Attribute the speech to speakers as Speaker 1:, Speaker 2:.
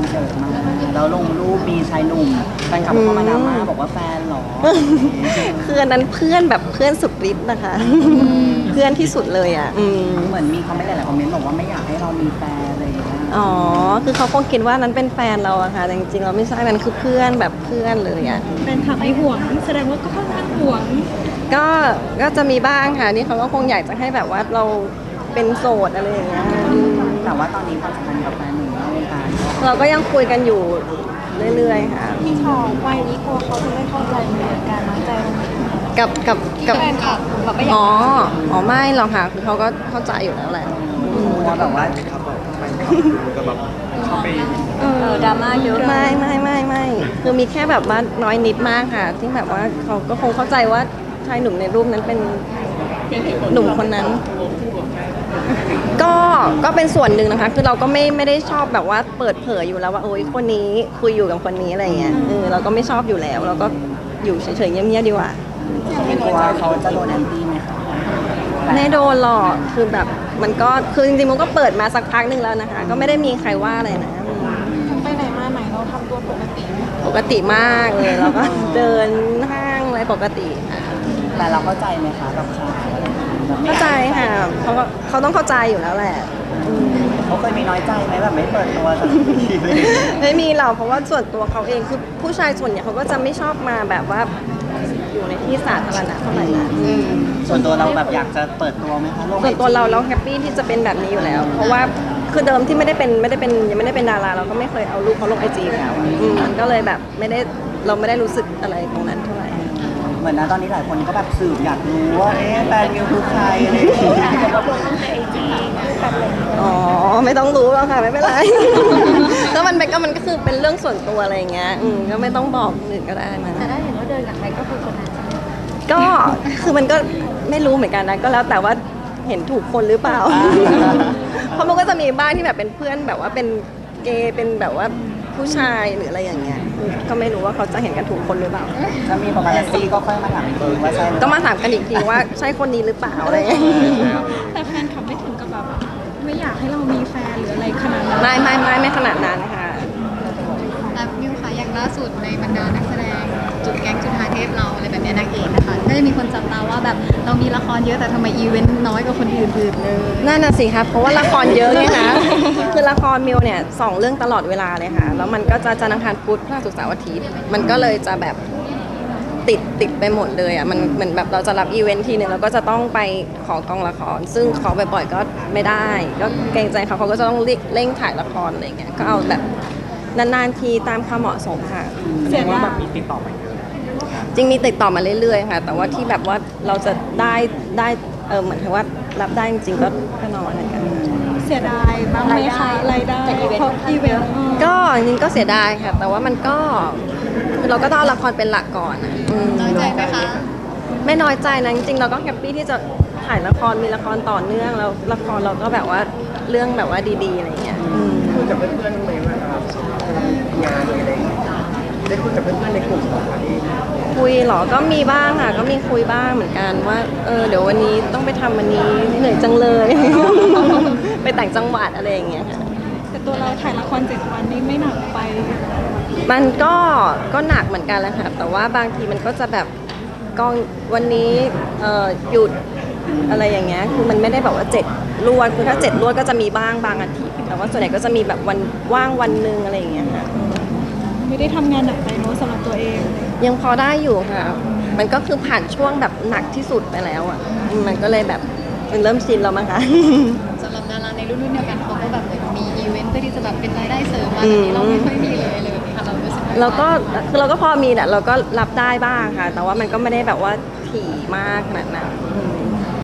Speaker 1: เยอะมากแล้วลงรูปมีชายหนุ่มแฟนคลับเข้ามาดราม่าบอกว่าแฟนเหรอ
Speaker 2: คืออันนั้นเพื่อนแบบเพื่อนสุดฤทธิ์นะคะเพื่อนที่สุดเลยอ่ะ
Speaker 1: เหมือนมีคอมเมนต์หลายๆคอมเมนต์บอกว่าไม่อยากให้เรามีแฟนอะไรอย่างเงี้ย
Speaker 2: อ๋อคือเขาคงคิดว่านั้นเป็นแฟนเราอะค่ะแต่จริงๆเราไม่ใช่มันคือเพื่อนแบบเพื่อนเลยอะ
Speaker 3: แฟนคลับไม่ห่วงแสดงว่าก็ค่อนข้างห่วง
Speaker 2: ก็จะมีบ้างค่ะนี่เขาก็คงอยากจะให้แบบว่าเราเป็นโสดอะไรอย่างเงี้ย
Speaker 1: แต่ว่าตอนนี้ความสัมพันธ์กับแฟนหนุ่มนอกวงการ
Speaker 2: เราก็ยังคุยกันอยู่เรื่อยๆค่ะ
Speaker 3: พี่ชอบวัยนี้กลัวเขาจะไม่เข้าใจในการน้อยใจตรงนี้
Speaker 2: กับ
Speaker 3: แฟนคลับแบบไม่อยาก
Speaker 2: อ๋อไม่หรอกค่ะคือเขาก็เข้าใจอยู่แล้วแหละ
Speaker 1: ว่าแบบว่า
Speaker 3: ดราม่าเยอะ
Speaker 2: ไม่คือมีแค่แบบว่าน้อยนิดมากค่ะ ที่แบบว่าเขาก็คงเข้าใจว่าชายหนุ่มในรูปนั้นเป็นหนุ่มคนนั้น ก็เป็นส่วนหนึ่งนะคะ คือเราก็ไม่ได้ชอบแบบว่าเปิดเผยอยู่แล้วว่าโอ๊ยคนนี้คุยอยู่กับคนนี้อะไรเงี้ยเราก็ไม่ชอบอยู่แล้วเราก็อยู่เฉยๆเงียบๆดีกว่า
Speaker 1: ไม่กลัวเขาจะโดนแอนตี้ไหมคะ
Speaker 2: ไม่โดนหรอกคือแบบมันก็คือจริงๆมันก็เปิดมาสักพักหนึ่งแล้วนะคะ ก็ไม่ได้มีใครว่าอะไรนะ
Speaker 3: ไปไหนมาไหนเราทำตัวปกติ
Speaker 2: ปกติมากเลยเราก็เดินห้างอะไรปกติค่ะ
Speaker 1: แต่เราเข้าใจไหมคะกับข่าวอะไรแบบไม่
Speaker 2: เข้าใจค่ะเขาต้องเข้าใจอยู่แล้วแหละ
Speaker 1: เขาเคยมีน้อยใจไหมแบบไม่เปิดตัวสักทีเลย
Speaker 2: ไม่มีหรอกเพราะว่าส่วนตัวเขาเองคือผู้ชายส่วนใหญ่เขาก็จะไม่ชอบมาแบบว่าอยู่ในที่สาธารณะเท่าไหร่นะ
Speaker 1: ส่วนตัวเราแบบอยากจะเปิดตัวไหมคะลง
Speaker 2: ส่วนตัวเราแฮปปี้ที่จะเป็นแบบนี้อยู่แล้ว เพราะว่าคือเดิมที่ยังไม่ได้เป็นดาราเราก็ไม่เคยเอารูปเขาลงไอจีแล้วมันก็เลยแบบเราไม่ได้รู้สึกอะไรตรงนั้นเท่าไหร่
Speaker 1: เหมือนนะตอนนี้หลายคนก็แบบสืบอยากรู้ว่าแฟนมิวคือใครอะไรอย่างเงี้ย
Speaker 2: อ๋อไม่ต้องรู้แล้วค่ะไม่เป็นไร ก็มันก็คือเป็นเรื่องส่วนตัวอะไรอย่างเงี้ยก็ไม่ต้องบอกคนอื่นก็ได้มา
Speaker 3: แต่ได้เห็นว่าเดินกับใครก็คือคนนั้น
Speaker 2: ก็คือมันก็ไม่รู้เหมือนกันนะก็แล้วแต่ว่าเห็นถูกคนหรือเปล่า เพราะมันก็จะมีบ้างที่แบบเป็นเพื่อนแบบว่าเป็นเกย์เป็นแบบว่าผู้ชายหรืออะไรอย่างเงี้ยก็ไม่รู้ว่าเขาจะเห็นกันถูกคนหรือเปล่า
Speaker 1: ถ้ามีปาปารัสซี่ก็ค่อยมาถามอีกทีว่าใช่หรือเป
Speaker 2: ต้อ
Speaker 1: ล่า
Speaker 2: งมาถามกันอีกทีว่าใช่คนนี้หรือเปล่าอะไรอย่างเงี้ย
Speaker 3: แต่แฟนคลับไม่ถึงกับแบบไม่อยากให้เรามีแฟนหรืออะไรขนาดนั้น
Speaker 2: ไม่ขนาดนั้นค่ะ
Speaker 4: แล้วมิวค่ะอย่างล่าสุดในบรรดานักแสดงจุดแก๊งจุดหาเทพเราอะไรแบบเนี้ยนางเอกนะคะก็จะมีคนจับตาว่าแบบเรามีละครเยอะแต่ทำไมอีเวนต์น้อยกว่าคนอื่นๆเลย
Speaker 2: นั่นน่ะสิครับเพราะว่าละครเยอะไงคะ คือละครมิวเนี่ย2 เรื่องตลอดเวลาเลยค่ะ แล้วมันก็จะจันทร์อังคารพุธพฤหัสศุกร์เสาร์อาทิตย์มันก็เลยจะแบบติดไปหมดเลยอ่ะมันเหมือนแบบเราจะรับอีเวนท์ทีนึงเราก็จะต้องไปขอกองละคร ซึ่งขอบ่อยๆก็ไม่ได้ ก็เกรงใจเขาก็จะต้องเร่งถ่ายละครอะไรเงี้ยก็เอาแบบนานๆทีตามความเหมาะสมค่ะ
Speaker 3: เสียดาย
Speaker 1: มีติดต่อมาเยอะ
Speaker 2: จริงมีติดต่อมาเรื่อยๆค่ะ แต่ว่าที่แบบว่าเราจะได้เหมือนกับว่ารับได้จริงๆก็น้อยเหมือนกัน
Speaker 3: เสียดายบ้างไหมคะรายได้เพราะอีเวนต์
Speaker 2: ก็จริงๆก็เสียดายค่ะ แต่ว่ามันก็คือเราก็ต้องเอาละครเป็นหลักก่อนอะ
Speaker 4: น้อยใจไหมคะ
Speaker 2: ไม่น้อยใจนะจริงๆเราก็แฮปปี้ที่จะถ่ายละครมีละครต่อเนื่องแล้วละครเราก็แบบว่าเรื่องแบบว่าดีๆอะไรเงี้ย
Speaker 1: คุยกับเพื่อนๆไหมว่างานอะไรอย่างเงี้ยได้คุยกับเพื่อนๆในกลุ่มของนี้
Speaker 2: คุยเหรอก็มีบ้างค่ะก็มีคุยบ้างเหมือนกันว่าเดี๋ยววันนี้ต้องไปทำวันนี้เหนื่อยจังเลย ไปแต่างจังหวัดอะไรอย่างเงี้ยค่ะ
Speaker 3: แต่ตัวเราถ่ายละคร7 วันนี่ไม่หนักไป
Speaker 2: มันก็หนักเหมือนกันแหละค่ะแต่ว่าบางทีมันก็จะแบบกองวันนี้หยุดอะไรอย่างเงี้ยคือมันไม่ได้แบบว่า7 รวดคือถ้า7 รวดก็จะมีบ้างบางอาทิตย์แต่ว่าส่วนใหญ่ก็จะมีแบบวันว่างวันหนึ่งอะไรอย่างเงี้ยค่ะ
Speaker 3: ไม่ได้ทำงานหนักไปเนอะสำหรับตัวเอง
Speaker 2: ยังพอได้อยู่ค่ะ มันก็คือผ่านช่วงแบบหนักที่สุดไปแล้วอ่ะมันก็เลยแบบมันเริ่มชินแล้วมั้งคะ
Speaker 4: สำหรับดาราในรุ่นเดียวกันเขาก็แบบเหมือนมีอีเวนต์เพื่อที่จะแบบเป็นรายได้เสริมมาแต่นี้เราไม่ค่อยมีเลยอะไรแบบนี้ค่ะเรารู้สึกว่า
Speaker 2: เราก็คือเราก็พอมีแหละเราก็รับได้บ้างค่ะ แต่ว่ามันก็ไม่ได้แบบว่าถี่มากขนาดนั้น